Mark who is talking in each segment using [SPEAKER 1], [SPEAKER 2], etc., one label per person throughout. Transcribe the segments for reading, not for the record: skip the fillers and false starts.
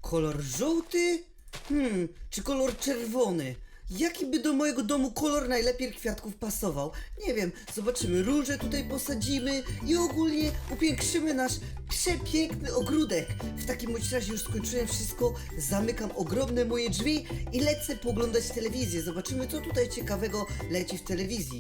[SPEAKER 1] Kolor żółty? Czy kolor czerwony? Jaki by do mojego domu kolor najlepiej kwiatków pasował? Nie wiem, zobaczymy. Róże tutaj posadzimy i ogólnie upiększymy nasz przepiękny ogródek. W takim bądź razie już skończyłem wszystko, zamykam ogromne moje drzwi i lecę poglądać telewizję. Zobaczymy, co tutaj ciekawego leci w telewizzi.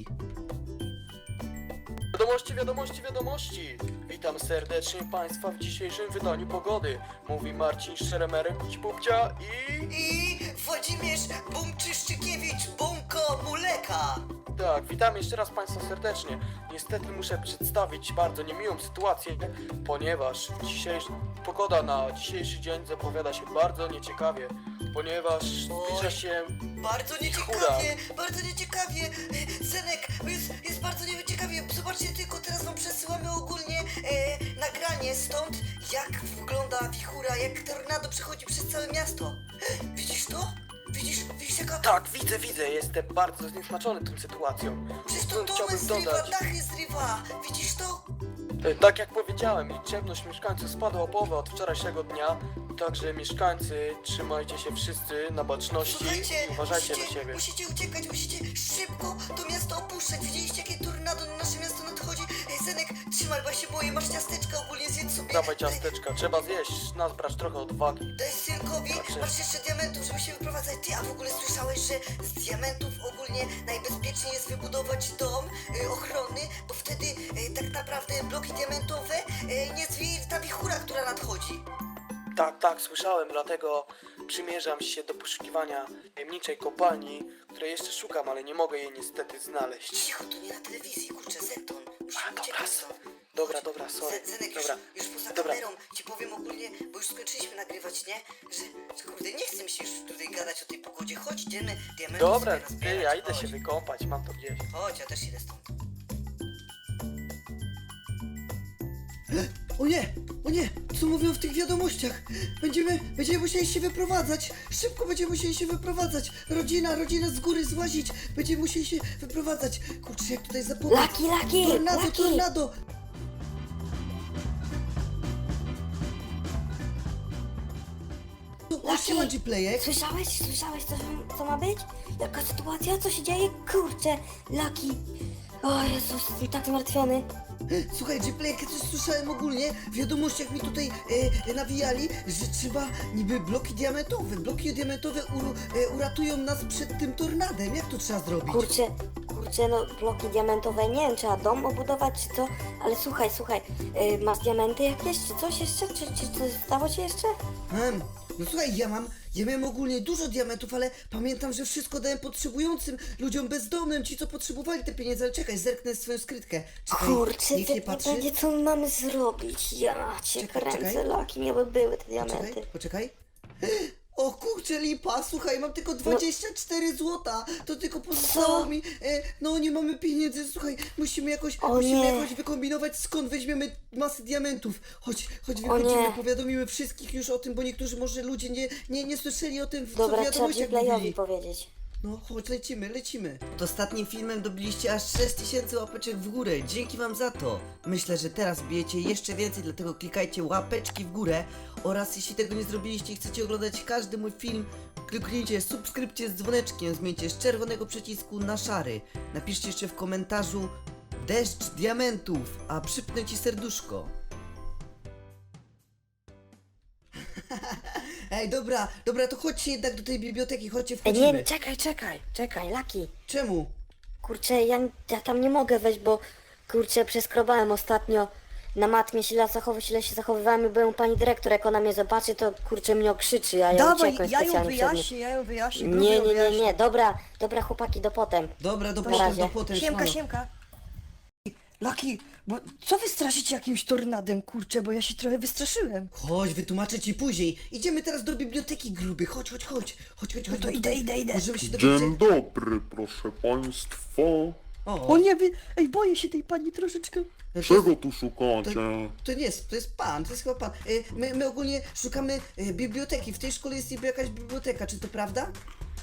[SPEAKER 2] Wiadomości, wiadomości, wiadomości! Witam serdecznie Państwa w dzisiejszym wydaniu pogody. Mówi Marcin Szeremerek Bubcia
[SPEAKER 1] I Włodzimierz Bumczyszczykiewicz Bumko Muleka.
[SPEAKER 2] Tak, witam jeszcze raz Państwa serdecznie. Niestety muszę przedstawić bardzo niemiłą sytuację, ponieważ pogoda na dzisiejszy dzień zapowiada się bardzo nieciekawie, ponieważ zbliża się
[SPEAKER 1] Bardzo nieciekawie, bardzo nieciekawie. Zenek, jest bardzo nieciekawie. Zobaczcie tylko, teraz wam przesyłamy ogólnie nagranie stąd, jak wygląda wichura, jak tornado przechodzi przez całe miasto. Widzisz to? Widzisz jaka...
[SPEAKER 2] Tak, widzę, jestem bardzo zniesmaczony tą sytuacją.
[SPEAKER 1] Przecież to domy zrywa, dachy zrywa. Widzisz to?
[SPEAKER 2] Tak jak powiedziałem, liczebność mieszkańców spadła o połowę od wczorajszego dnia, także mieszkańcy, trzymajcie się wszyscy na baczności i uważajcie na siebie.
[SPEAKER 1] Musicie uciekać, musicie szybko to miasto opuszczać. Widzieliście, jakie tornado na nasze miasto nadchodzi? Zenek, trzymaj, bo ja się boję, masz ciasteczka ogólnie, zjedz sobie.
[SPEAKER 2] Dawaj ciasteczka, trzeba zjeść, nazbrać trochę odwagi.
[SPEAKER 1] Daj synkowi,
[SPEAKER 2] Dobrze.
[SPEAKER 1] masz jeszcze diamentów, żeby się wyprowadzać. Ty, a w ogóle słyszałeś, że z diamentów ogólnie najbezpieczniej jest wybudować dom ochronny, bo wtedy tak naprawdę bloki diamentowe nie zwieje ta wichura, która nadchodzi.
[SPEAKER 2] Tak, słyszałem, dlatego przymierzam się do poszukiwania tajemniczej kopalni, której jeszcze szukam, ale nie mogę jej niestety znaleźć.
[SPEAKER 1] Cicho, to nie na telewizji, kurczę, Zeton. Musimy
[SPEAKER 2] dobra,
[SPEAKER 1] uciekać stąd.
[SPEAKER 2] Dobra, sorry.
[SPEAKER 1] Zenek,
[SPEAKER 2] Dobra,
[SPEAKER 1] już poza
[SPEAKER 2] dobra.
[SPEAKER 1] kamerą ci powiem ogólnie, bo już skończyliśmy nagrywać, nie? Że kurde, nie chce mi się już tutaj gadać o tej pogodzie. Chodź, idziemy diamenty
[SPEAKER 2] Dobra,
[SPEAKER 1] sobie
[SPEAKER 2] ty,
[SPEAKER 1] nazbierać,
[SPEAKER 2] ja idę
[SPEAKER 1] chodź.
[SPEAKER 2] się wykąpać, mam to gdzieś.
[SPEAKER 1] Chodź, ja też idę stąd. O nie, co mówią w tych wiadomościach? Będziemy musieli się wyprowadzać. Szybko będziemy musieli się wyprowadzać. Rodzina z góry złazić. Będziemy musieli się wyprowadzać. Kurczę, jak tutaj zapowiedź.
[SPEAKER 3] Laki!
[SPEAKER 1] Tornado! O, siema, G-Playek.
[SPEAKER 3] Słyszałeś co ma być? Jaka sytuacja? Co się dzieje? Kurczę, Laki! O Jezus, jestem tak zmartwiony.
[SPEAKER 1] Słuchaj, G-Playek, ja coś słyszałem ogólnie, w wiadomościach mi tutaj nawijali, że trzeba niby bloki diamentowe uratują nas przed tym tornadem. Jak to trzeba zrobić?
[SPEAKER 3] Kurczę, no bloki diamentowe, nie wiem, trzeba dom obudować czy co, ale słuchaj, masz diamenty jakieś, czy coś jeszcze? Czy coś stało się jeszcze?
[SPEAKER 1] No słuchaj, ja miałem ogólnie dużo diamentów, ale pamiętam, że wszystko dałem potrzebującym ludziom bezdomnym, ci co potrzebowali te pieniądze, ale czekaj, zerknę swoją skrytkę. Czekaj,
[SPEAKER 3] Kurczę,
[SPEAKER 1] niech nie
[SPEAKER 3] to
[SPEAKER 1] patrzy.
[SPEAKER 3] będzie co mamy zrobić, ja cię kręcę,
[SPEAKER 1] czekaj.
[SPEAKER 3] Laki, miały były te diamenty.
[SPEAKER 1] Poczekaj. O kurczę, lipa, słuchaj, mam tylko 24 złota, to tylko pozostało
[SPEAKER 3] Co?
[SPEAKER 1] mi, no nie mamy pieniędzy, słuchaj, musimy jakoś wykombinować, skąd weźmiemy masę diamentów. Chodź, wychodzimy,
[SPEAKER 3] nie.
[SPEAKER 1] powiadomimy wszystkich już o tym, bo niektórzy może ludzie nie słyszeli o tym, co w
[SPEAKER 3] Dobra, trzeba
[SPEAKER 1] wiadomościach
[SPEAKER 3] Playowi
[SPEAKER 1] mówili.
[SPEAKER 3] powiedzieć.
[SPEAKER 1] No chodź, lecimy. Pod ostatnim filmem dobiliście aż 6000 łapeczek w górę. Dzięki wam za to. Myślę, że teraz bijecie jeszcze więcej, dlatego klikajcie łapeczki w górę. Oraz jeśli tego nie zrobiliście i chcecie oglądać każdy mój film, kliknijcie subskrypcję z dzwoneczkiem, zmieńcie z czerwonego przycisku na szary. Napiszcie jeszcze w komentarzu deszcz diamentów, a przypnę ci serduszko. Ej, dobra, to chodźcie jednak do tej biblioteki, chodźcie, wchodzimy.
[SPEAKER 3] Nie, czekaj, Laki.
[SPEAKER 1] Czemu?
[SPEAKER 3] Kurczę, ja tam nie mogę wejść, bo kurczę, przeskrobałem ostatnio na matmie źle się zachowywałem i byłem u pani dyrektor, jak ona mnie zobaczy, to kurczę mnie okrzyczy, a ja
[SPEAKER 4] Dawaj,
[SPEAKER 3] uciekłem
[SPEAKER 4] ja ją
[SPEAKER 3] specjalnie przed nim.
[SPEAKER 4] wyjaśnię,
[SPEAKER 3] Nie, dobra chłopaki, do potem.
[SPEAKER 1] Dobra, do
[SPEAKER 3] razie.
[SPEAKER 1] potem,
[SPEAKER 4] Siemka,
[SPEAKER 1] siemano.
[SPEAKER 4] siemka. Laki, bo co wy straszycie jakimś tornadem, kurczę, bo ja się trochę wystraszyłem.
[SPEAKER 1] Chodź, wytłumaczę ci później. Idziemy teraz do biblioteki, gruby. Chodź.
[SPEAKER 4] No to idę.
[SPEAKER 1] Możemy się dowiedzieć.
[SPEAKER 5] Dzień dobry, proszę państwa.
[SPEAKER 4] O nie, ej, boję się tej pani troszeczkę.
[SPEAKER 5] Czego tu szukacie?
[SPEAKER 1] To nie jest, to jest chyba pan. My ogólnie szukamy biblioteki. W tej szkole jest niby jakaś biblioteka, czy to prawda?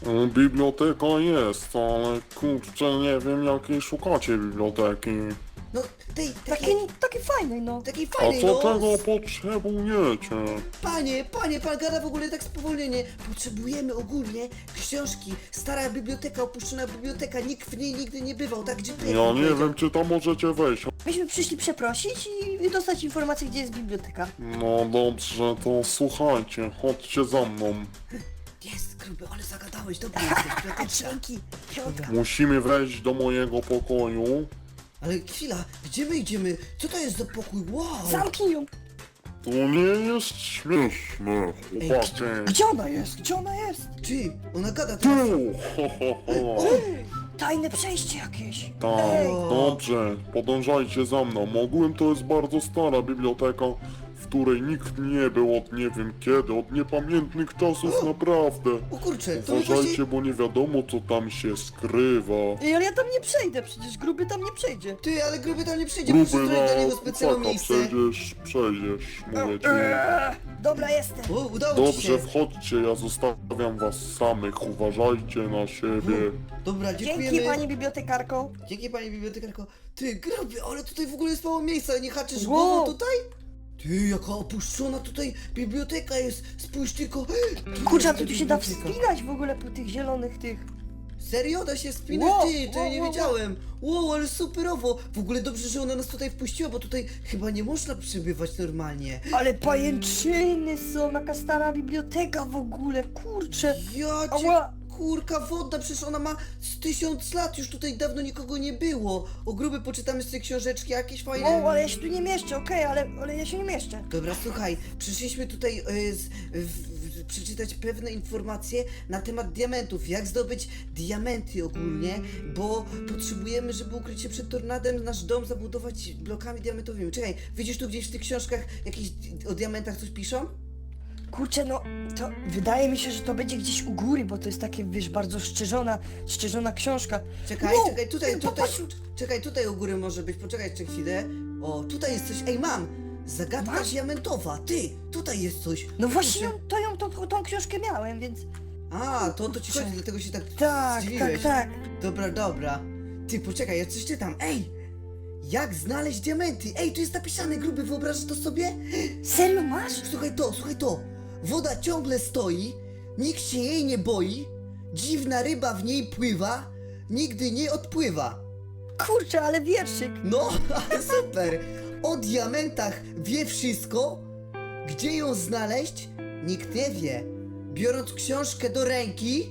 [SPEAKER 5] Biblioteka jest, ale kurczę, nie wiem jakiej szukacie biblioteki.
[SPEAKER 1] No,
[SPEAKER 4] Takie fajnej, no.
[SPEAKER 1] takiej
[SPEAKER 5] A
[SPEAKER 1] fajnej,
[SPEAKER 5] co
[SPEAKER 1] no.
[SPEAKER 5] tego potrzebujecie?
[SPEAKER 1] Panie, pan gada w ogóle tak spowolnienie. Potrzebujemy ogólnie książki. Stara biblioteka, opuszczona biblioteka, nikt w niej nigdy nie bywał, tak?
[SPEAKER 5] Ja nie wiem, czy tam możecie wejść.
[SPEAKER 4] Myśmy przyszli przeprosić i dostać informację, gdzie jest biblioteka.
[SPEAKER 5] No dobrze, to słuchajcie, chodźcie za mną.
[SPEAKER 1] Jest, gruby, ale zagadałeś, dobra jesteś, biblioteczka.
[SPEAKER 4] Dzięki, piątka.
[SPEAKER 5] Musimy wejść do mojego pokoju.
[SPEAKER 1] Ale chwila, gdzie my idziemy? Co to jest za pokój? Wow!
[SPEAKER 4] Zamknij ją.
[SPEAKER 5] To nie jest śmieszne, chłopacy.
[SPEAKER 4] Gdzie ona jest? Gdzie ona jest?
[SPEAKER 1] Ty, ona gada teraz.
[SPEAKER 5] Tu, ho, ho, ho.
[SPEAKER 4] Tajne przejście jakieś.
[SPEAKER 5] Tak,
[SPEAKER 4] Ej.
[SPEAKER 5] dobrze, podążajcie za mną. Ogółem to jest bardzo stara biblioteka, w której nikt nie był od nie wiem kiedy, od niepamiętnych czasów naprawdę.
[SPEAKER 1] O kurczę, to my właśnie...
[SPEAKER 5] Uważajcie, bo nie wiadomo co tam się skrywa.
[SPEAKER 4] Ej, ale ja tam nie przejdę, przecież gruby tam nie przejdzie.
[SPEAKER 1] Ty, ale gruby tam nie przyjdzie, muszę
[SPEAKER 5] Gruby,
[SPEAKER 1] zrobić dla niego
[SPEAKER 5] no,
[SPEAKER 1] specjalne
[SPEAKER 5] taka,
[SPEAKER 1] miejsce.
[SPEAKER 5] przejdziesz, mówię ci.
[SPEAKER 4] Dobra, jestem.
[SPEAKER 1] O, udało ci
[SPEAKER 5] Dobrze,
[SPEAKER 1] się.
[SPEAKER 5] wchodźcie, ja zostawiam was samych, uważajcie na siebie.
[SPEAKER 1] Dobra, dziękujemy.
[SPEAKER 4] Dzięki, pani bibliotekarko.
[SPEAKER 1] Dzięki pani bibliotekarko. Ty, gruby, ale tutaj w ogóle jest mało miejsca, nie haczysz
[SPEAKER 4] Wow.
[SPEAKER 1] głową tutaj? Ty, jaka opuszczona tutaj biblioteka jest, spójrz tylko.
[SPEAKER 4] Kurczę, a tu się da
[SPEAKER 1] Biblioteka.
[SPEAKER 4] wspinać w ogóle po tych zielonych tych.
[SPEAKER 1] Serio? Da się spinać?
[SPEAKER 4] Wow,
[SPEAKER 1] Ty, to ja nie
[SPEAKER 4] wow,
[SPEAKER 1] wiedziałem. Wow, ale superowo. W ogóle dobrze, że ona nas tutaj wpuściła, bo tutaj chyba nie można przebywać normalnie.
[SPEAKER 4] Ale pajęczyny są, jaka stara biblioteka w ogóle, kurczę.
[SPEAKER 1] Ja cię...
[SPEAKER 4] Ała.
[SPEAKER 1] Kurka wodna, przecież ona ma z 1000 lat, już tutaj dawno nikogo nie było. O gruby, poczytamy z tej książeczki jakieś fajne...
[SPEAKER 4] Wow, ale ja się tu nie mieszczę, okej, ale ja się nie mieszczę.
[SPEAKER 1] Dobra, słuchaj, przyszliśmy tutaj przeczytać pewne informacje na temat diamentów, jak zdobyć diamenty ogólnie, bo potrzebujemy, żeby ukryć się przed tornadem, nasz dom zabudować blokami diamentowymi. Czekaj, widzisz tu gdzieś w tych książkach jakieś o diamentach coś piszą?
[SPEAKER 4] Kurczę, no, to wydaje mi się, że to będzie gdzieś u góry, bo to jest takie, wiesz, bardzo szczerzona książka.
[SPEAKER 1] Czekaj,
[SPEAKER 4] Wow,
[SPEAKER 1] czekaj, tutaj,
[SPEAKER 4] popatrz.
[SPEAKER 1] czekaj, tutaj u góry może być, poczekaj jeszcze chwilę. O, tutaj jest coś, ej mam! Zagadka
[SPEAKER 4] Masz?
[SPEAKER 1] diamentowa, ty, tutaj jest coś.
[SPEAKER 4] No właśnie,
[SPEAKER 1] Kurczę.
[SPEAKER 4] tą książkę miałem, więc...
[SPEAKER 1] A, to ci chodzi, dlatego się tak
[SPEAKER 4] Tak,
[SPEAKER 1] zdziwiłeś.
[SPEAKER 4] tak.
[SPEAKER 1] Dobra. Ty, poczekaj, ja coś czytam. Ej! Jak znaleźć diamenty? Ej, tu jest napisane, gruby, wyobrażasz to sobie?
[SPEAKER 4] Serio masz?
[SPEAKER 1] Słuchaj to. Woda ciągle stoi, nikt się jej nie boi, dziwna ryba w niej pływa, nigdy nie odpływa.
[SPEAKER 4] Kurczę, ale wierszyk.
[SPEAKER 1] No, ale super! O diamentach wie wszystko, gdzie ją znaleźć, nikt nie wie. Biorąc książkę do ręki...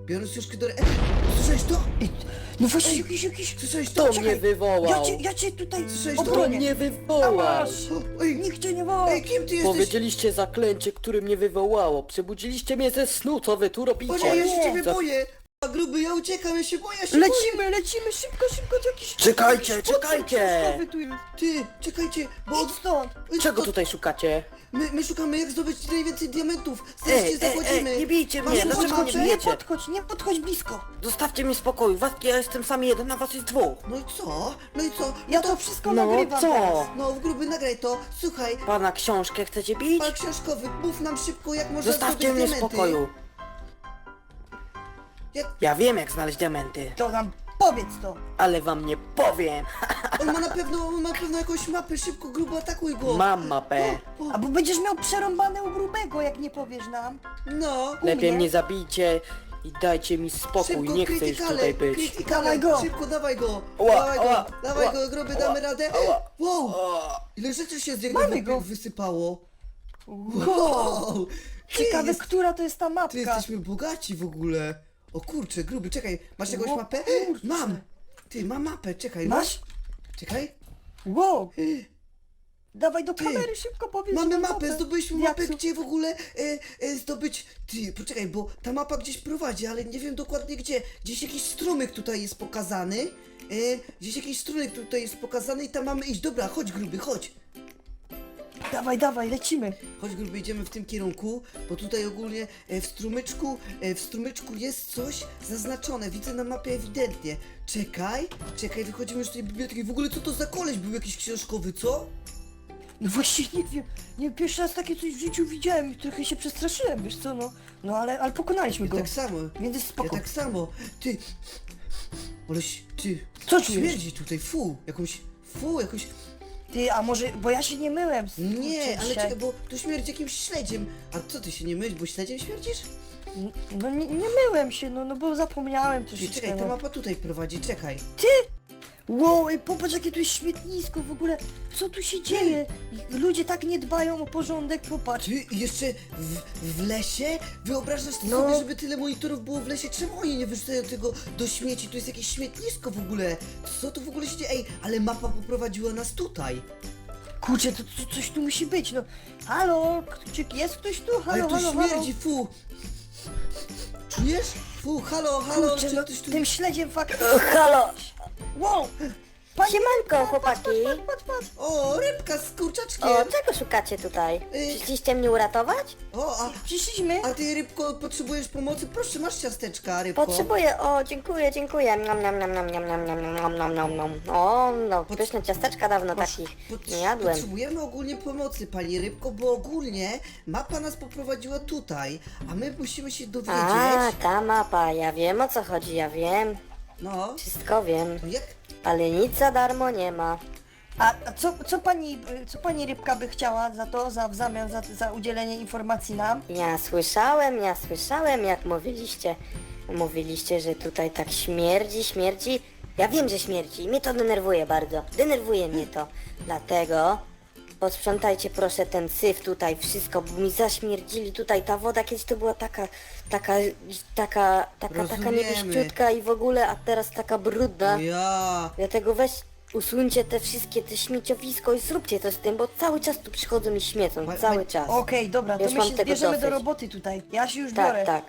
[SPEAKER 1] Słyszałeś to?
[SPEAKER 4] No właśnie,
[SPEAKER 1] Ej,
[SPEAKER 4] jakiś...
[SPEAKER 1] Słyszałeś to?
[SPEAKER 3] To mnie wywołał.
[SPEAKER 4] Ja cię tutaj
[SPEAKER 1] Słyszałeś to?
[SPEAKER 3] To
[SPEAKER 4] obronię.
[SPEAKER 3] mnie
[SPEAKER 4] A
[SPEAKER 3] wywołał.
[SPEAKER 4] masz!
[SPEAKER 1] Ej,
[SPEAKER 4] Nikt cię nie woła.
[SPEAKER 1] ej, kim ty jesteś?
[SPEAKER 3] Powiedzieliście zaklęcie, które mnie wywołało. Przebudziliście mnie ze snu, co wy tu robicie?
[SPEAKER 1] Boże, ja się ciebie
[SPEAKER 3] Za-
[SPEAKER 1] boję! A gruby, ja uciekam, ja się boję, ja się boję!
[SPEAKER 4] Lecimy, szybko, to jakiś...
[SPEAKER 3] Czekajcie,
[SPEAKER 4] jakiś potwór
[SPEAKER 3] czekajcie.
[SPEAKER 4] książkowy tu jest.
[SPEAKER 1] Ty, czekajcie, bo...
[SPEAKER 4] Idź stąd.
[SPEAKER 3] Czego tutaj szukacie?
[SPEAKER 1] My szukamy jak zdobyć najwięcej diamentów. Zaraz cię zachodzimy.
[SPEAKER 3] nie bijcie
[SPEAKER 1] Masz
[SPEAKER 3] mnie,
[SPEAKER 1] ochotę?
[SPEAKER 3] dlaczego mnie bijecie?
[SPEAKER 4] Nie podchodź blisko.
[SPEAKER 3] Zostawcie mi spokój, ja jestem sam jeden, a was jest dwóch.
[SPEAKER 1] No i co? No i co?
[SPEAKER 4] Ja
[SPEAKER 1] No
[SPEAKER 4] to wszystko
[SPEAKER 3] No
[SPEAKER 4] nagrywam
[SPEAKER 3] co?
[SPEAKER 4] teraz.
[SPEAKER 1] No, w gruby nagraj to. Słuchaj,
[SPEAKER 3] Pana książkę chcecie bić?
[SPEAKER 1] pan książkowy, mów nam szybko jak można
[SPEAKER 3] Zostawcie
[SPEAKER 1] zdobyć
[SPEAKER 3] mnie w
[SPEAKER 1] diamenty.
[SPEAKER 3] spokoju.
[SPEAKER 1] Jak...
[SPEAKER 3] Ja wiem jak znaleźć diamenty,
[SPEAKER 4] To nam powiedz to.
[SPEAKER 3] ale wam nie powiem.
[SPEAKER 1] On ma na pewno jakąś mapę, szybko grubo atakuj go.
[SPEAKER 3] Mam mapę.
[SPEAKER 4] Albo będziesz miał przerąbane u grubego, jak nie powiesz nam.
[SPEAKER 1] No.
[SPEAKER 3] Lepiej
[SPEAKER 4] mnie?
[SPEAKER 3] mnie zabijcie i dajcie mi spokój,
[SPEAKER 1] Szybko,
[SPEAKER 3] nie chcę już tutaj być.
[SPEAKER 1] krytykale,
[SPEAKER 4] Dawaj go.
[SPEAKER 1] szybko, dawaj go.
[SPEAKER 3] Ała,
[SPEAKER 1] Dawaj go,
[SPEAKER 3] ała,
[SPEAKER 1] dawaj
[SPEAKER 3] ała,
[SPEAKER 1] go, gruby,
[SPEAKER 3] ała,
[SPEAKER 1] damy radę.
[SPEAKER 3] ała.
[SPEAKER 1] Wow,
[SPEAKER 3] O,
[SPEAKER 1] ile rzeczy się z niego
[SPEAKER 4] Mamy go.
[SPEAKER 1] wysypało. Wow.
[SPEAKER 4] Ciekawe,
[SPEAKER 1] jest-
[SPEAKER 4] która to jest ta
[SPEAKER 1] Ty
[SPEAKER 4] mapka.
[SPEAKER 1] jesteśmy bogaci w ogóle. O kurczę, gruby, czekaj, masz jakąś
[SPEAKER 4] O
[SPEAKER 1] mapę?
[SPEAKER 4] kurczę.
[SPEAKER 1] Mam. Ty, mam mapę, czekaj.
[SPEAKER 4] Masz?
[SPEAKER 1] Czekaj.
[SPEAKER 4] Wow. Dawaj do
[SPEAKER 1] Ty,
[SPEAKER 4] kamery, szybko powiedz.
[SPEAKER 1] Mamy
[SPEAKER 4] nam
[SPEAKER 1] mapę, zdobyliśmy
[SPEAKER 4] Jak
[SPEAKER 1] mapę,
[SPEAKER 4] su-
[SPEAKER 1] gdzie w ogóle zdobyć... Ty, poczekaj, bo ta mapa gdzieś prowadzi, ale nie wiem dokładnie gdzie. Gdzieś jakiś strumyk tutaj jest pokazany. Gdzieś jakiś strumyk tutaj jest pokazany i tam mamy iść. Dobra, chodź gruby, chodź.
[SPEAKER 4] Dawaj, lecimy.
[SPEAKER 1] Chodź gruby, idziemy w tym kierunku, bo tutaj ogólnie w strumyczku jest coś zaznaczone, widzę na mapie ewidentnie. Czekaj, wychodzimy już z tej biblioteki. W ogóle co to za koleś był jakiś książkowy, co?
[SPEAKER 4] No właśnie nie wiem. Nie, pierwszy raz takie coś w życiu widziałem i trochę się przestraszyłem, wiesz co, no. No ale pokonaliśmy
[SPEAKER 1] Ja
[SPEAKER 4] go.
[SPEAKER 1] tak samo.
[SPEAKER 4] Więc jest
[SPEAKER 1] Ja
[SPEAKER 4] spoko.
[SPEAKER 1] tak samo. Ty, ty,
[SPEAKER 4] Co czujesz?
[SPEAKER 1] śmierdzi tutaj, fu, jakąś Fu, jakoś...
[SPEAKER 4] Ty, a może, bo ja się nie myłem.
[SPEAKER 1] Nie,
[SPEAKER 4] kurczę,
[SPEAKER 1] ale
[SPEAKER 4] dzisiaj.
[SPEAKER 1] czekaj, bo tu śmierdzi jakimś śledziem. A co, ty się nie myłeś, bo śledziem śmierdzisz?
[SPEAKER 4] No nie myłem się, no bo zapomniałem
[SPEAKER 1] Ty,
[SPEAKER 4] troszeczkę.
[SPEAKER 1] czekaj, ta
[SPEAKER 4] No.
[SPEAKER 1] mapa tutaj prowadzi, czekaj.
[SPEAKER 4] Wow, ej, popatrz jakie tu jest śmietnisko w ogóle. Co tu się dzieje? Ludzie tak nie dbają o porządek, popatrz.
[SPEAKER 1] Ty, jeszcze w lesie? Wyobrażasz
[SPEAKER 4] No.
[SPEAKER 1] sobie, żeby tyle monitorów było w lesie? Czemu oni nie wyrzucają tego do śmieci? Tu jest jakieś śmietnisko w ogóle. Co tu w ogóle się dzieje? Ej, ale mapa poprowadziła nas tutaj.
[SPEAKER 4] Kurczę, to coś tu musi być, no. Halo, czy jest ktoś tu?
[SPEAKER 1] Ale
[SPEAKER 4] Halo,
[SPEAKER 1] tu
[SPEAKER 4] halo,
[SPEAKER 1] śmierdzi, fu. Czujesz? Fu, halo, halo,
[SPEAKER 4] Kurczę,
[SPEAKER 1] czy
[SPEAKER 4] no
[SPEAKER 1] ktoś tu...
[SPEAKER 4] tym śledziem fakt...
[SPEAKER 3] Halo!
[SPEAKER 4] Wow!
[SPEAKER 3] Siemanko, chłopaki!
[SPEAKER 4] Patrz.
[SPEAKER 1] O, rybka z kurczaczkiem.
[SPEAKER 3] O, czego szukacie tutaj? Przyszliście mnie uratować?
[SPEAKER 1] O,
[SPEAKER 4] Przyszliśmy.
[SPEAKER 1] a ty, rybko, potrzebujesz pomocy? Proszę, masz ciasteczka, rybko.
[SPEAKER 3] Potrzebuję, o, dziękuję, dziękuję. Nam, nam, nam, nam, nam, nam, nam, nam, nam, nam, nam. O, no, pyszne ciasteczka, dawno takich nie jadłem.
[SPEAKER 1] Potrzebujemy ogólnie pomocy, pani rybko, bo ogólnie mapa nas poprowadziła tutaj, a my musimy się dowiedzieć.
[SPEAKER 3] A, ta mapa, ja wiem o co chodzi, ja wiem.
[SPEAKER 1] No,
[SPEAKER 3] Wszystko wiem,
[SPEAKER 1] no jak?
[SPEAKER 3] ale nic za darmo nie ma.
[SPEAKER 4] A co pani rybka by chciała za to, w zamian za udzielenie informacji nam?
[SPEAKER 3] Ja słyszałem jak mówiliście. Mówiliście, że tutaj tak śmierdzi. Ja wiem, że śmierdzi. Mnie to denerwuje bardzo. Denerwuje mnie to. Dlatego posprzątajcie proszę ten syf tutaj, wszystko, bo mi zaśmierdzili tutaj. Ta woda kiedyś to była taka
[SPEAKER 1] Rozumiemy.
[SPEAKER 3] niebieściutka i w ogóle, a teraz taka brudna.
[SPEAKER 1] Ja.
[SPEAKER 3] Dlatego weź usuńcie te wszystkie, te śmieciowisko i zróbcie to z tym, bo cały czas tu przychodzą i śmiecą, cały czas.
[SPEAKER 4] Okej, dobra, to
[SPEAKER 3] Już
[SPEAKER 4] my
[SPEAKER 3] mam
[SPEAKER 4] się
[SPEAKER 3] tego
[SPEAKER 4] zbierzemy do
[SPEAKER 3] dosyć.
[SPEAKER 4] roboty tutaj. Ja się już biorę.
[SPEAKER 3] Tak, tak.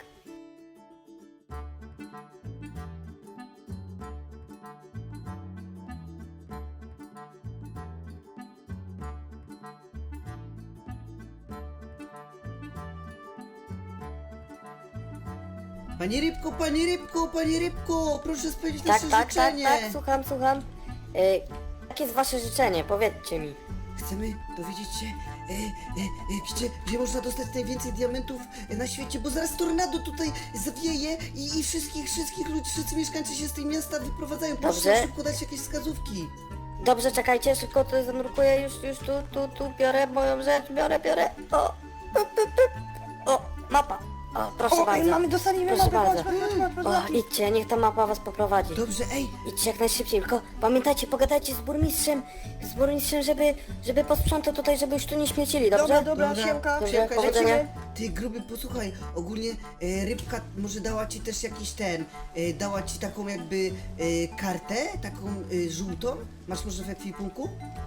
[SPEAKER 1] Pani rybko, proszę spełnić
[SPEAKER 3] Tak,
[SPEAKER 1] nasze
[SPEAKER 3] tak, tak,
[SPEAKER 1] życzenie.
[SPEAKER 3] tak, słucham. Jakie jest wasze życzenie? Powiedzcie mi.
[SPEAKER 1] Chcemy dowiedzieć się, gdzie można dostać najwięcej diamentów na świecie, bo zaraz tornado tutaj zawieje i wszystkich ludzi, wszyscy mieszkańcy się z tej miasta wyprowadzają. Proszę
[SPEAKER 3] Dobrze.
[SPEAKER 1] szybko dać jakieś wskazówki.
[SPEAKER 3] Dobrze, czekajcie, szybko to zanurkuję, już tu biorę moją rzecz, biorę. O, mapa. O, proszę
[SPEAKER 4] O,
[SPEAKER 3] bardzo.
[SPEAKER 4] dostaniemy
[SPEAKER 3] Proszę
[SPEAKER 4] mapę,
[SPEAKER 3] bardzo.
[SPEAKER 4] patrz.
[SPEAKER 3] O, idźcie, niech ta mapa was poprowadzi.
[SPEAKER 1] Dobrze, ej,
[SPEAKER 3] Idźcie jak najszybciej, tylko pamiętajcie, pogadajcie z burmistrzem, żeby posprzątał tutaj, żeby już tu nie śmiecili, dobrze?
[SPEAKER 4] Dobra, siemka.
[SPEAKER 3] Dobrze,
[SPEAKER 1] siemka,
[SPEAKER 3] powodzenia.
[SPEAKER 1] lecimy. Ty gruby, posłuchaj, ogólnie rybka może dała ci też jakiś dała ci taką jakby kartę, taką żółtą. Masz może w ekwipunku?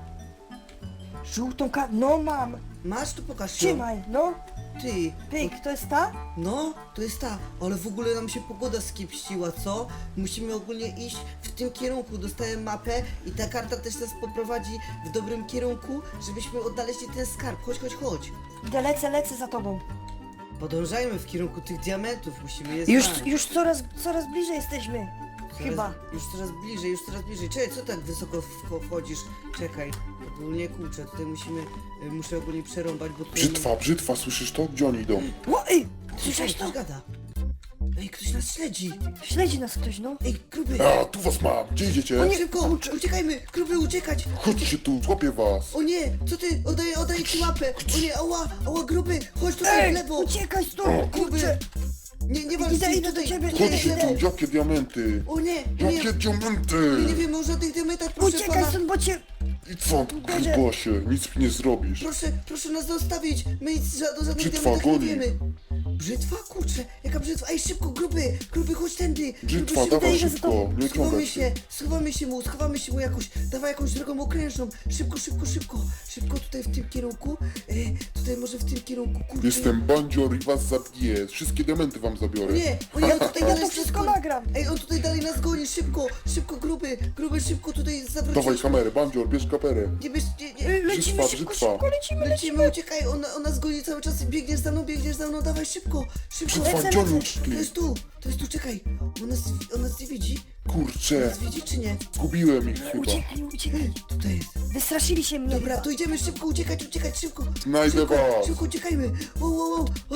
[SPEAKER 4] Żółtą kartę, no mam.
[SPEAKER 1] Masz, to pokaż ją.
[SPEAKER 4] Trzymaj, no.
[SPEAKER 1] Ty,
[SPEAKER 4] Pyk, to jest ta?
[SPEAKER 1] no, to jest ta, ale w ogóle nam się pogoda skiepściła, co? Musimy ogólnie iść w tym kierunku, dostałem mapę i ta karta też nas poprowadzi w dobrym kierunku, żebyśmy odnaleźli ten skarb. Chodź.
[SPEAKER 4] Idę, lecę za tobą.
[SPEAKER 1] Podążajmy w kierunku tych diamentów, musimy je
[SPEAKER 4] Już,
[SPEAKER 1] znaleźć.
[SPEAKER 4] już coraz bliżej jesteśmy. Chyba.
[SPEAKER 1] Już coraz bliżej. Czekaj, co tak wysoko wchodzisz? Czekaj, ogólnie kurczę, tutaj muszę ogólnie przerąbać, bo tutaj...
[SPEAKER 5] Brzytwa, słyszysz to? Gdzie oni idą?
[SPEAKER 4] Ło, ej,
[SPEAKER 1] Słyszałeś
[SPEAKER 4] słyszałeś to?
[SPEAKER 1] Gada. Ej, ktoś nas śledzi.
[SPEAKER 4] Śledzi nas ktoś, no.
[SPEAKER 1] Ej, gruby.
[SPEAKER 5] A, tu was mam! Gdzie idziecie?
[SPEAKER 1] Szybko, uciekajmy, gruby, uciekać.
[SPEAKER 5] Chodźcie tu, złapię was!
[SPEAKER 1] O nie, co ty? Oddaję ci łapę! O nie, ała, gruby! Chodź tutaj w
[SPEAKER 4] Ej,
[SPEAKER 1] lewo!
[SPEAKER 4] uciekaj stąd,
[SPEAKER 1] Gruby!
[SPEAKER 4] kurczę.
[SPEAKER 1] Nie walcz
[SPEAKER 4] Idę
[SPEAKER 1] tutaj,
[SPEAKER 4] do ciebie.
[SPEAKER 1] tutaj w
[SPEAKER 5] Chodźcie
[SPEAKER 1] lewo!
[SPEAKER 5] tu, jakie diamenty!
[SPEAKER 1] O nie,
[SPEAKER 5] Jakie diamenty!
[SPEAKER 1] nie wiemy o żadnych diamentach, proszę
[SPEAKER 4] Uciekaj
[SPEAKER 1] pana!
[SPEAKER 4] stąd, bo cię...
[SPEAKER 5] I co, grubasie, nic mi nie zrobisz.
[SPEAKER 1] Proszę nas zostawić! My nic o żadnych
[SPEAKER 5] Brzytwa,
[SPEAKER 1] diamentach nie
[SPEAKER 5] goni.
[SPEAKER 1] wiemy! Brzytwa? Kurczę, jaka brzytwa? Ej, szybko, gruby, chodź tędy!
[SPEAKER 5] Brzytwa,
[SPEAKER 1] Gruby, szybko.
[SPEAKER 5] dawaj
[SPEAKER 4] idę za
[SPEAKER 5] szybko,
[SPEAKER 4] tobą.
[SPEAKER 5] nie ciągaj się.
[SPEAKER 1] Schowamy się mu jakoś, dawaj jakąś drogą okrężną, szybko tutaj w tym kierunku, tutaj może w tym kierunku, kurczę.
[SPEAKER 5] Jestem bandzior i was zabiję. Wszystkie diamenty wam zabiorę.
[SPEAKER 1] Nie, on tutaj
[SPEAKER 4] Ja
[SPEAKER 1] dalej
[SPEAKER 4] to
[SPEAKER 1] nas
[SPEAKER 4] wszystko
[SPEAKER 1] goni.
[SPEAKER 4] nagram.
[SPEAKER 1] Ej, on tutaj dalej nas goni, szybko, gruby, szybko tutaj zawrócić.
[SPEAKER 5] Dawaj kamerę, bandzior, bierz kamerę.
[SPEAKER 1] Nie bierz, nie.
[SPEAKER 4] Lecimy
[SPEAKER 5] Brzytwa.
[SPEAKER 4] szybko, lecimy.
[SPEAKER 1] Lecimy, uciekaj, on nas goni cały czas, biegniesz za mną, dawaj szybko.
[SPEAKER 5] Brzytwa, gdzie oni
[SPEAKER 1] To
[SPEAKER 5] uciekli?
[SPEAKER 1] jest tu, czekaj, on nas nie widzi?
[SPEAKER 5] Kurczę,
[SPEAKER 1] Nas widzi czy nie?
[SPEAKER 5] zgubiłem ich chyba.
[SPEAKER 4] Uciekaj.
[SPEAKER 1] Tutaj jest.
[SPEAKER 4] Wystraszyli się mnie.
[SPEAKER 1] Dobra, to idziemy szybko, uciekać, szybko.
[SPEAKER 5] Znajdę was.
[SPEAKER 1] Szybko uciekajmy. O,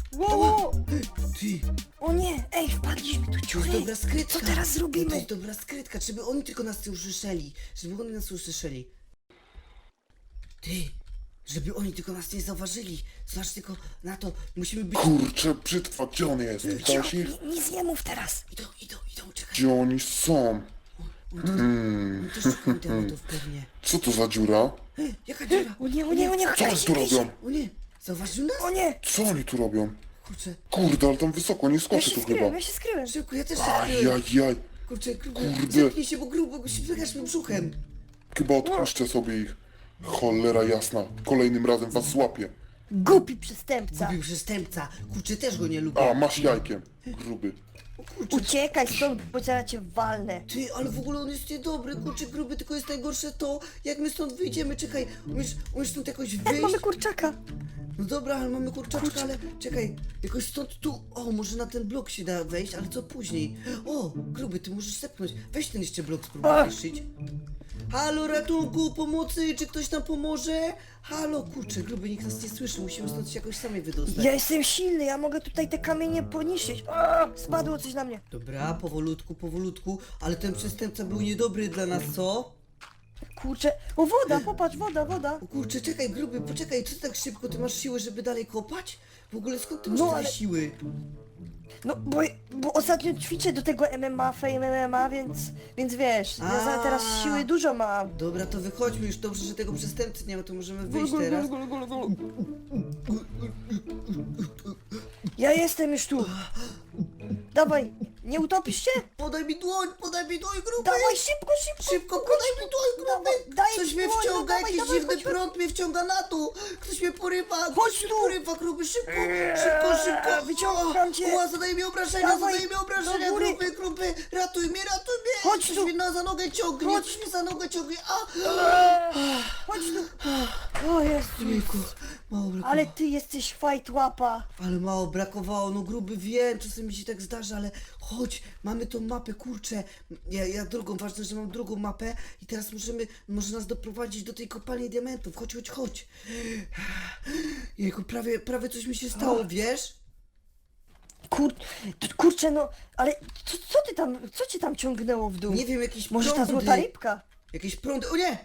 [SPEAKER 4] Wow!
[SPEAKER 1] Ty,
[SPEAKER 4] O nie! Ej, wpadliśmy tu
[SPEAKER 1] to jest
[SPEAKER 4] ciuchy!
[SPEAKER 1] dobra skrytka.
[SPEAKER 4] Co teraz
[SPEAKER 1] To
[SPEAKER 4] zrobimy?
[SPEAKER 1] jest dobra skrytka, żeby oni tylko nas nie usłyszeli. Żeby oni nas usłyszeli. Ty, żeby oni tylko nas nie zauważyli. Zobacz tylko na to, musimy być...
[SPEAKER 5] Kurczę, brzytwa, gdzie on jest? Widziałeś ich?
[SPEAKER 4] Nic nie mów teraz!
[SPEAKER 1] Idą, czekaj.
[SPEAKER 5] Gdzie oni są?
[SPEAKER 1] Oni też szukają diamentów pewnie.
[SPEAKER 5] Co to za dziura?
[SPEAKER 1] Jaka dziura?
[SPEAKER 4] O nie,
[SPEAKER 5] Co oni tu robią?
[SPEAKER 1] O nie, zauważył nas?
[SPEAKER 4] O nie!
[SPEAKER 5] Co oni tu robią?
[SPEAKER 1] Kurczę,
[SPEAKER 5] Kurde, ale tam wysoko, nie
[SPEAKER 4] Ja
[SPEAKER 5] skoczy
[SPEAKER 4] się
[SPEAKER 5] tu chyba.
[SPEAKER 4] skryłem, ja się skryłem!
[SPEAKER 1] szybko, ja też się skryłem.
[SPEAKER 5] Ajajaj,
[SPEAKER 1] Kurczę,
[SPEAKER 5] Kurde.
[SPEAKER 1] zepnij się, bo grubo, wygasz mi brzuchem.
[SPEAKER 5] chyba odpuszczę sobie ich. Cholera jasna, kolejnym razem was złapię.
[SPEAKER 4] Głupi przestępca!
[SPEAKER 1] Gubił przestępca. Kurczę, też go nie lubię.
[SPEAKER 5] A, masz jajkiem, gruby.
[SPEAKER 4] Uciekaj stąd, bo zaraz cię walnę!
[SPEAKER 1] Ty, ale w ogóle on jest niedobry, kurczę, gruby, tylko jest najgorsze to, jak my stąd wyjdziemy, czekaj, umiesz stąd jakoś wyjść?
[SPEAKER 4] Mamy kurczaka!
[SPEAKER 1] No dobra, ale mamy kurczaczka, ale czekaj, jakoś stąd tu, o, może na ten blok się da wejść, ale co później? O, gruby, ty możesz zepchnąć, weź ten jeszcze blok, spróbuj zniszczyć. Halo, ratunku, pomocy, czy ktoś nam pomoże? Halo, kurczę, gruby, nikt nas nie słyszy, musimy stąd się jakoś sami wydostać.
[SPEAKER 4] Ja jestem silny, ja mogę tutaj te kamienie poniszczyć. A, spadło coś na mnie.
[SPEAKER 1] Dobra, powolutku, ale ten przestępca był niedobry dla nas, co?
[SPEAKER 4] Kurczę. O, woda, popatrz, woda.
[SPEAKER 1] O kurczę, czekaj, gruby, poczekaj, co ty tak szybko, ty masz siłę, żeby dalej kopać? W ogóle skąd ty masz
[SPEAKER 4] No,
[SPEAKER 1] tyle
[SPEAKER 4] ale-
[SPEAKER 1] siły?
[SPEAKER 4] No, bo ostatnio ćwiczę do tego MMA, Fame MMA, więc wiesz, ja teraz siły dużo mam.
[SPEAKER 1] Dobra, to wychodźmy już, dobrze, że tego przestępcy nie ma, to możemy wyjść teraz.
[SPEAKER 4] Ja jestem już tu. Dawaj, nie utopisz się?
[SPEAKER 1] Podaj mi dłoń, gruby!
[SPEAKER 4] Dawaj, szybko.
[SPEAKER 1] Szybko, podaj mi dłoń, gruby!
[SPEAKER 4] Daj
[SPEAKER 1] Coś
[SPEAKER 4] mi
[SPEAKER 1] mnie
[SPEAKER 4] dłoń,
[SPEAKER 1] wciąga,
[SPEAKER 4] no dawaj,
[SPEAKER 1] jakiś
[SPEAKER 4] dawaj,
[SPEAKER 1] dziwny
[SPEAKER 4] chodź,
[SPEAKER 1] prąd mnie wciąga na dół! Ktoś mnie porywa,
[SPEAKER 4] Chodź
[SPEAKER 1] ktoś mnie
[SPEAKER 4] tu!
[SPEAKER 1] porywa, gruby, szybko! Szybko!
[SPEAKER 4] Wyciągam cię.
[SPEAKER 1] O, zadaje mi obrażenia,
[SPEAKER 4] Dawaj, do góry.
[SPEAKER 1] gruby! Ratuj mnie!
[SPEAKER 4] Chodź
[SPEAKER 1] Ktoś
[SPEAKER 4] tu.
[SPEAKER 1] mnie za nogę ciągnie,
[SPEAKER 4] Chodź.
[SPEAKER 1] ktoś mnie za nogę ciągnie, a!
[SPEAKER 4] Chodź tu. O Jezu.
[SPEAKER 1] Jejku, mało brakowało.
[SPEAKER 4] Ale ty jesteś fajt łapa.
[SPEAKER 1] Ale mało brakowało, no gruby, wiem, czasem mi się tak zdarza, ale chodź, mamy tą mapę, kurczę. Ja drugą, ważne, że mam drugą mapę i teraz może nas doprowadzić do tej kopalni diamentów. Chodź. Jejku, prawie coś mi się stało, wiesz?
[SPEAKER 4] Kurczę, no, ale co cię tam ciągnęło w dół?
[SPEAKER 1] Nie wiem, jakieś
[SPEAKER 4] Może ta
[SPEAKER 1] prądy.
[SPEAKER 4] złota rybka?
[SPEAKER 1] Jakieś prądy, o nie!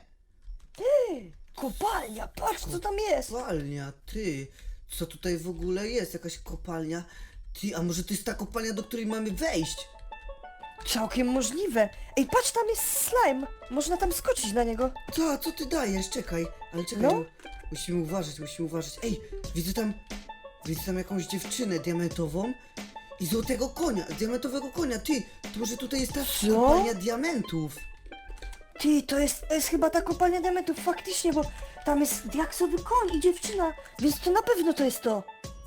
[SPEAKER 4] Kopalnia, patrz co tam jest.
[SPEAKER 1] Kopalnia, ty. Co tutaj w ogóle jest? Jakaś kopalnia? Ty, a może to jest ta kopalnia, do której mamy wejść?
[SPEAKER 4] Całkiem możliwe. Ej, patrz, tam jest slime. Można tam skoczyć na niego.
[SPEAKER 1] Co ty dajesz? Czekaj, ale czekaj,
[SPEAKER 4] No.
[SPEAKER 1] musimy uważać. Ej, widzę tam jakąś dziewczynę diamentową i złotego konia, diamentowego konia. Ty, to może tutaj jest ta
[SPEAKER 4] Co?
[SPEAKER 1] kopalnia diamentów.
[SPEAKER 4] Ty, to jest chyba ta kopalnia diamentów, faktycznie, bo tam jest diaksowy koń i dziewczyna, więc to na pewno to jest to.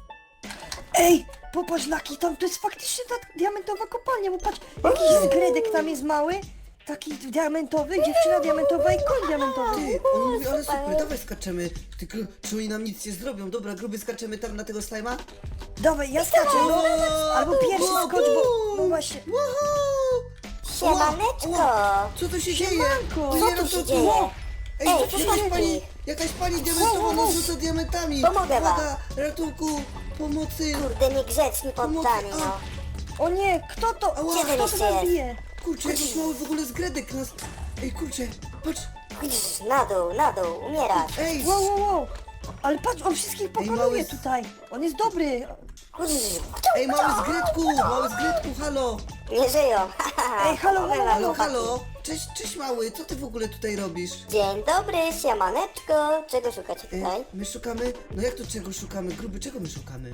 [SPEAKER 4] Ej, popatrz, Laki, tam to jest faktycznie ta diamentowa kopalnia, bo patrz, jakiś zgredek tam jest mały, taki diamentowy, dziewczyna diamentowa i koń diamentowy.
[SPEAKER 1] Ty, on mówi, ale super, dawaj skaczemy. Tylko, czy oni nam nic nie zrobią? Dobra, gruby, skaczemy tam na tego slajma?
[SPEAKER 4] Dawaj, ja skaczę, no. Albo pierwszy skocz, bo, no właśnie.
[SPEAKER 3] Siemaneczko!
[SPEAKER 1] Co tu się dzieje?
[SPEAKER 4] Siemanko.
[SPEAKER 1] To
[SPEAKER 3] Co
[SPEAKER 1] nie
[SPEAKER 3] tu
[SPEAKER 1] no,
[SPEAKER 3] się
[SPEAKER 1] to-
[SPEAKER 3] dzieje?
[SPEAKER 1] Ej,
[SPEAKER 3] Ej,
[SPEAKER 1] to
[SPEAKER 3] co
[SPEAKER 1] jakaś
[SPEAKER 3] się
[SPEAKER 1] pani,
[SPEAKER 3] dzieje?
[SPEAKER 1] jakaś pani diamentowa nas rzuca diamentami.
[SPEAKER 3] Pomogę wam.
[SPEAKER 1] Uwaga, ratunku, pomocy.
[SPEAKER 3] Kurde, niegrzeczni poddani, no.
[SPEAKER 4] O nie, kto to?
[SPEAKER 1] Ała,
[SPEAKER 3] Gdzie
[SPEAKER 4] Kto to
[SPEAKER 3] jeszcze
[SPEAKER 4] nas
[SPEAKER 3] jest?
[SPEAKER 4] bije?
[SPEAKER 1] Kurczę, jakiś mały w ogóle zgredek nas... Ej, kurczę, patrz,
[SPEAKER 3] Chodzisz na dół, umierasz.
[SPEAKER 1] ej,
[SPEAKER 4] Wow. Ale patrz, on wszystkich pokonuje
[SPEAKER 1] mały-
[SPEAKER 4] tutaj. On jest dobry.
[SPEAKER 3] Chodzisz,
[SPEAKER 1] ej, mały zgredku, halo.
[SPEAKER 3] nie żyją.
[SPEAKER 4] Ej, halo.
[SPEAKER 1] Halo, cześć mały, co ty w ogóle tutaj robisz?
[SPEAKER 3] Dzień dobry, siemaneczko. Czego szukacie tutaj?
[SPEAKER 1] My szukamy, no jak to czego szukamy? Gruby, czego my szukamy?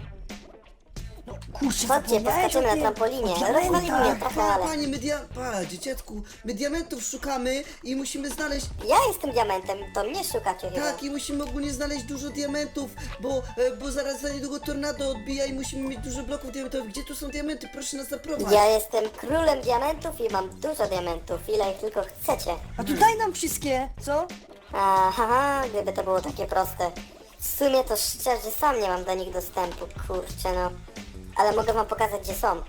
[SPEAKER 4] Kurczę,
[SPEAKER 3] Chodźcie,
[SPEAKER 4] zapomniałeś
[SPEAKER 3] poskaczymy
[SPEAKER 4] o
[SPEAKER 3] na
[SPEAKER 4] tym.
[SPEAKER 3] trampolinie.
[SPEAKER 4] O diamentach.
[SPEAKER 3] Rozwalimy mnie trochę, ale...
[SPEAKER 1] Panie, dzieciatku, my diamentów szukamy i musimy znaleźć...
[SPEAKER 3] Ja jestem diamentem, to mnie szukacie chyba.
[SPEAKER 1] Tak, i musimy ogólnie znaleźć dużo diamentów, bo zaraz za niedługo tornado odbija i musimy mieć dużo bloków diamentowych. Gdzie tu są diamenty? Proszę nas zaprowadź.
[SPEAKER 3] Ja jestem królem diamentów i mam dużo diamentów, ile ich tylko chcecie.
[SPEAKER 4] A tu daj nam wszystkie, co?
[SPEAKER 3] Aha, gdyby to było takie proste. W sumie to szczerze sam nie mam do nich dostępu, kurczę no. Ale mogę wam pokazać, gdzie są.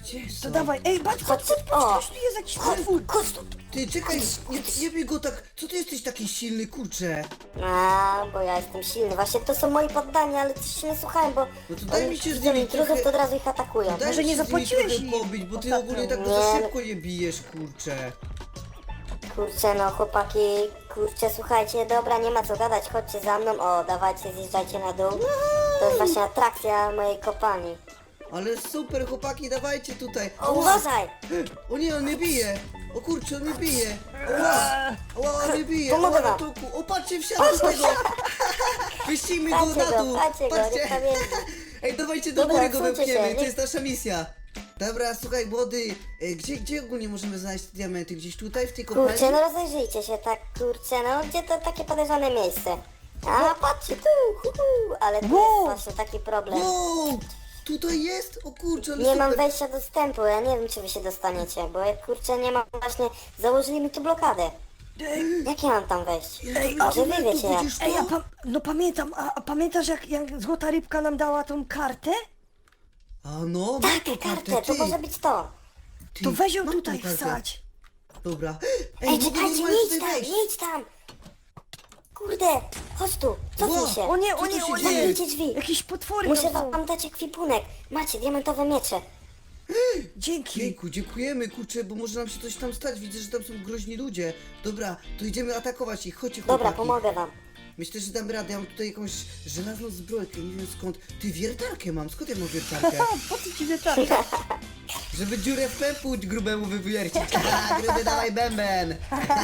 [SPEAKER 1] Gdzie są?
[SPEAKER 4] To dawaj, ej, patrz, patrz, patrz,
[SPEAKER 3] O.
[SPEAKER 4] patrz, tu jest jakiś potwór.
[SPEAKER 3] Chodź tu.
[SPEAKER 1] Ty, czekaj, nie bij go tak. Co ty jesteś taki silny, kurczę?
[SPEAKER 3] A, bo ja jestem silny. Właśnie to są moi poddani, ale coś się nie słuchałem, bo
[SPEAKER 1] No to daj
[SPEAKER 3] oni
[SPEAKER 1] mi się z
[SPEAKER 3] widzą
[SPEAKER 1] nimi
[SPEAKER 3] intruzów,
[SPEAKER 1] trochę-
[SPEAKER 3] to od razu ich atakują.
[SPEAKER 1] Daj
[SPEAKER 4] Może
[SPEAKER 1] mi
[SPEAKER 4] nie
[SPEAKER 1] się z nimi
[SPEAKER 4] zapłaciłeś
[SPEAKER 1] trochę
[SPEAKER 4] im
[SPEAKER 1] pobić, bo ty
[SPEAKER 4] ostatnio.
[SPEAKER 1] ogólnie tak
[SPEAKER 3] Nie.
[SPEAKER 1] za szybko je bijesz, kurczę.
[SPEAKER 3] Kurczę, no chłopaki, kurczę, słuchajcie, dobra, nie ma co gadać, chodźcie za mną, o, dawajcie, zjeżdżajcie na dół. To jest właśnie atrakcja mojej kopalni.
[SPEAKER 1] Ale super, chłopaki, dawajcie tutaj.
[SPEAKER 3] O, uważaj!
[SPEAKER 1] O nie, on mnie bije. O kurczę, on mnie bije. Ła, on mnie bije.
[SPEAKER 3] Pomogę
[SPEAKER 1] O,
[SPEAKER 3] wam.
[SPEAKER 1] ratunku. O, patrzcie, wsiadł z tego. Wyścigmy go
[SPEAKER 3] Patrzcie
[SPEAKER 1] na
[SPEAKER 3] go,
[SPEAKER 1] dół.
[SPEAKER 3] patrzcie go, niech tam jeździ.
[SPEAKER 1] Ej, dawajcie do
[SPEAKER 3] Dobra,
[SPEAKER 1] góry go
[SPEAKER 3] odsuńcie
[SPEAKER 1] wypchniemy,
[SPEAKER 3] się,
[SPEAKER 1] to
[SPEAKER 3] nie-
[SPEAKER 1] jest nasza misja. Dobra, słuchaj, młody, gdzie ogólnie możemy znaleźć te diamenty? Gdzieś tutaj, w tej kopalni?
[SPEAKER 3] Kurczę, no rozejrzyjcie się, tak, kurczę, no gdzie to takie podejrzane miejsce? A, patrzcie tu, ale tu
[SPEAKER 4] Wow.
[SPEAKER 3] jest właśnie taki problem.
[SPEAKER 1] Wow, tutaj jest? O kurczę, ale
[SPEAKER 3] Nie
[SPEAKER 1] super.
[SPEAKER 3] mam wejścia dostępu, ja nie wiem czy wy się dostaniecie, bo ja kurczę nie mam właśnie, założyli mi tu blokadę. Jak ja mam tam wejść?
[SPEAKER 1] Ej,
[SPEAKER 3] Może wy wiecie jak.
[SPEAKER 1] widzisz to?
[SPEAKER 4] Ej, no pamiętam, a pamiętasz jak złota rybka nam dała tą kartę?
[SPEAKER 1] A no, mam
[SPEAKER 3] Tak,
[SPEAKER 1] tą
[SPEAKER 3] kartę,
[SPEAKER 1] kartę,
[SPEAKER 3] to
[SPEAKER 1] ty.
[SPEAKER 3] może być to.
[SPEAKER 1] Ty,
[SPEAKER 4] To weź ją
[SPEAKER 1] mam
[SPEAKER 4] tutaj
[SPEAKER 1] tą kartę.
[SPEAKER 4] wsadź.
[SPEAKER 1] Dobra.
[SPEAKER 3] Ej,
[SPEAKER 1] mogę
[SPEAKER 3] czekajcie,
[SPEAKER 1] normalnie
[SPEAKER 3] nie idź
[SPEAKER 1] tutaj
[SPEAKER 3] tam,
[SPEAKER 1] wejść.
[SPEAKER 3] nie idź tam. Kurde, chodź tu, cofnij
[SPEAKER 1] Wow,
[SPEAKER 3] się.
[SPEAKER 4] O nie,
[SPEAKER 1] Co
[SPEAKER 4] o
[SPEAKER 1] tu
[SPEAKER 4] nie,
[SPEAKER 1] się
[SPEAKER 4] o
[SPEAKER 1] dzieje?
[SPEAKER 4] nie.
[SPEAKER 3] Zamknijcie drzwi.
[SPEAKER 4] Jakieś potwory
[SPEAKER 3] Muszę
[SPEAKER 4] tam są.
[SPEAKER 3] wam dać ekwipunek. Macie diamentowe miecze.
[SPEAKER 4] Dzięki.
[SPEAKER 1] Jejku, dziękujemy, kurczę, bo może nam się coś tam stać. Widzę, że tam są groźni ludzie. Dobra, to idziemy atakować ich. Chodźcie, chłopaki.
[SPEAKER 3] Dobra, pomogę wam.
[SPEAKER 1] Myślę, że damy radę. Ja mam tutaj jakąś żelazną zbrojkę, nie wiem skąd. Ty, wiertarkę mam. Skąd ja mam wiertarkę?
[SPEAKER 4] Po co ci wieczorem?
[SPEAKER 1] Żeby dziurę w pępu grubemu wywiercić. A, gruby, dawaj bęben.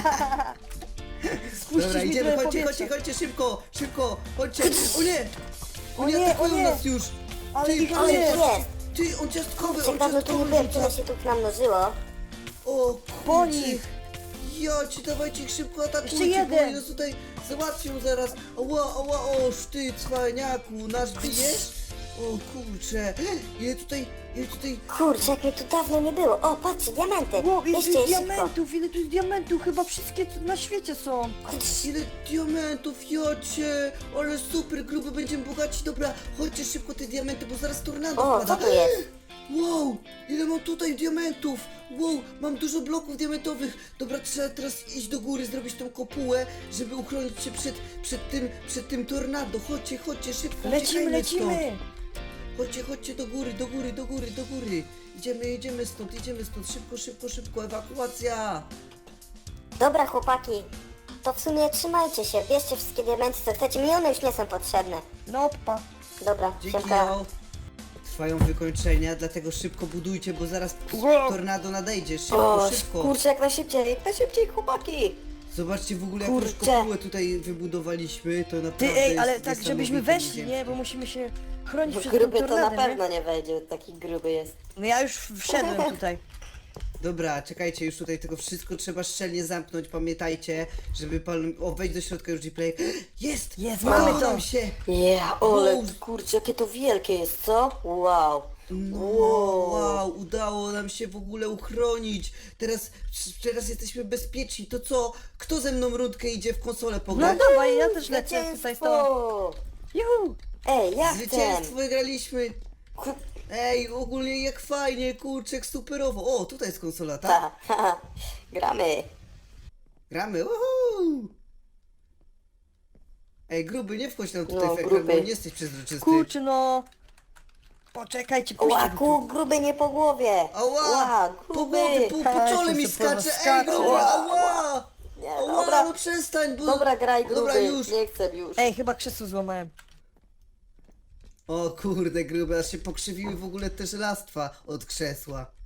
[SPEAKER 1] Dobra, idziemy, chodźcie, szybko, szybko, chodźcie. O nie!
[SPEAKER 4] O nie,
[SPEAKER 1] atakują
[SPEAKER 4] o nie.
[SPEAKER 1] nas już.
[SPEAKER 4] Ale
[SPEAKER 1] Ty,
[SPEAKER 4] ich
[SPEAKER 3] Ale
[SPEAKER 4] jest.
[SPEAKER 3] jest.
[SPEAKER 1] Ty, on ciastkowy,
[SPEAKER 3] Kurczę,
[SPEAKER 1] on
[SPEAKER 3] dawno tu nie
[SPEAKER 1] ciastkowy
[SPEAKER 3] byłem,
[SPEAKER 1] rzuca.
[SPEAKER 3] tyle się tu namnożyło.
[SPEAKER 1] O,
[SPEAKER 4] Po
[SPEAKER 1] kurczę.
[SPEAKER 4] nich.
[SPEAKER 1] Ja ci dawajcie ich szybko
[SPEAKER 4] Jeszcze
[SPEAKER 1] atakujcie, bo
[SPEAKER 4] jeden.
[SPEAKER 1] oni nas tutaj załatwią zaraz. Ała, o, ty cwaniaku, nasz bijesz? O kurczę, ile tutaj,
[SPEAKER 3] Kurczę, jak mnie tu dawno nie było. O, patrzcie, diamenty.
[SPEAKER 4] Wow, ile tu
[SPEAKER 3] Bierzcie
[SPEAKER 4] jest
[SPEAKER 3] je szybko.
[SPEAKER 4] diamentów, ile tu jest diamentów, chyba wszystkie co na świecie są.
[SPEAKER 1] ile diamentów, jocie, ale super, gruby, będziemy bogaci. Dobra, chodźcie szybko te diamenty, bo zaraz tornado
[SPEAKER 3] O,
[SPEAKER 1] wpada.
[SPEAKER 3] co tu jest?
[SPEAKER 1] Wow, ile mam tutaj diamentów! Wow, mam dużo bloków diamentowych. Dobra, trzeba teraz iść do góry, zrobić tą kopułę, żeby uchronić się przed tym tornado. Chodźcie, szybko,
[SPEAKER 4] Lecimy,
[SPEAKER 1] uciekajmy stąd.
[SPEAKER 4] lecimy.
[SPEAKER 1] Chodźcie do góry. Idziemy stąd, szybko, ewakuacja.
[SPEAKER 3] Dobra, chłopaki. To w sumie trzymajcie się, bierzcie wszystkie diamenty, co chcecie. Mi one już nie są potrzebne.
[SPEAKER 4] No, pa.
[SPEAKER 3] Dobra,
[SPEAKER 1] Dzięki,
[SPEAKER 3] siemka.
[SPEAKER 1] Jao. Trwają wykończenia, dlatego szybko budujcie, bo zaraz
[SPEAKER 4] Wow.
[SPEAKER 1] tornado nadejdzie.
[SPEAKER 3] O,
[SPEAKER 1] Szybko.
[SPEAKER 3] kurczę, jak najszybciej, chłopaki.
[SPEAKER 1] Zobaczcie w ogóle jakąś
[SPEAKER 3] Kurczę.
[SPEAKER 1] kopułę tutaj wybudowaliśmy, to
[SPEAKER 4] Ty,
[SPEAKER 1] naprawdę
[SPEAKER 4] ej, ale
[SPEAKER 1] jest
[SPEAKER 4] tak żebyśmy
[SPEAKER 1] niesamowite
[SPEAKER 4] weszli,
[SPEAKER 1] dzieło.
[SPEAKER 4] nie? Bo musimy się chronić
[SPEAKER 3] Bo
[SPEAKER 4] przed tym
[SPEAKER 3] gruby to na
[SPEAKER 4] tornadem,
[SPEAKER 3] pewno nie wejdzie, taki gruby jest.
[SPEAKER 4] nie? No ja już wszedłem tutaj.
[SPEAKER 1] Dobra, czekajcie, już tutaj tego wszystko trzeba szczelnie zamknąć, pamiętajcie, żeby pan... O, wejdź do środka już, Gplay. Jest!
[SPEAKER 4] Jest,
[SPEAKER 1] Udało
[SPEAKER 4] mamy to.
[SPEAKER 1] nam się!
[SPEAKER 3] ale
[SPEAKER 1] Wow.
[SPEAKER 3] kurczę, jakie to wielkie jest, co? Wow.
[SPEAKER 1] No, wow, udało nam się w ogóle uchronić. Teraz jesteśmy bezpieczni. To co? Kto ze mną rundkę idzie w konsolę
[SPEAKER 4] No
[SPEAKER 1] pograć?
[SPEAKER 4] dawaj, ja też lecę tutaj z tobą. Juhu!
[SPEAKER 3] Ej, jak ten?
[SPEAKER 1] Zwycięstwo wygraliśmy. Ej, ogólnie jak fajnie, kurczę, superowo. O, tutaj jest konsola, tak?
[SPEAKER 3] Gramy.
[SPEAKER 1] Gramy, uhu! Ej, gruby, nie wchodź nam tutaj
[SPEAKER 3] No,
[SPEAKER 1] w ekran, bo
[SPEAKER 3] gruby.
[SPEAKER 1] nie jesteś przezroczysty.
[SPEAKER 4] Kurczę, no. Poczekajcie, puśćcie
[SPEAKER 3] Ła,
[SPEAKER 4] go
[SPEAKER 3] ku, gruby nie po głowie.
[SPEAKER 1] Ała!
[SPEAKER 3] Ła,
[SPEAKER 1] Po
[SPEAKER 3] gruby.
[SPEAKER 1] głowie, po czole mi
[SPEAKER 4] Jeszcze sobie
[SPEAKER 1] skacze! Ej,
[SPEAKER 4] skacze.
[SPEAKER 1] gruby, ała!
[SPEAKER 3] Nie,
[SPEAKER 1] Ała,
[SPEAKER 3] dobra.
[SPEAKER 1] no przestań, bo...
[SPEAKER 3] Dobra, graj gruby.
[SPEAKER 1] Dobra, już.
[SPEAKER 3] Nie chcę już.
[SPEAKER 4] Ej, chyba krzesło złamałem.
[SPEAKER 1] O kurde, grube, aż się pokrzywiły w ogóle te żelastwa od krzesła.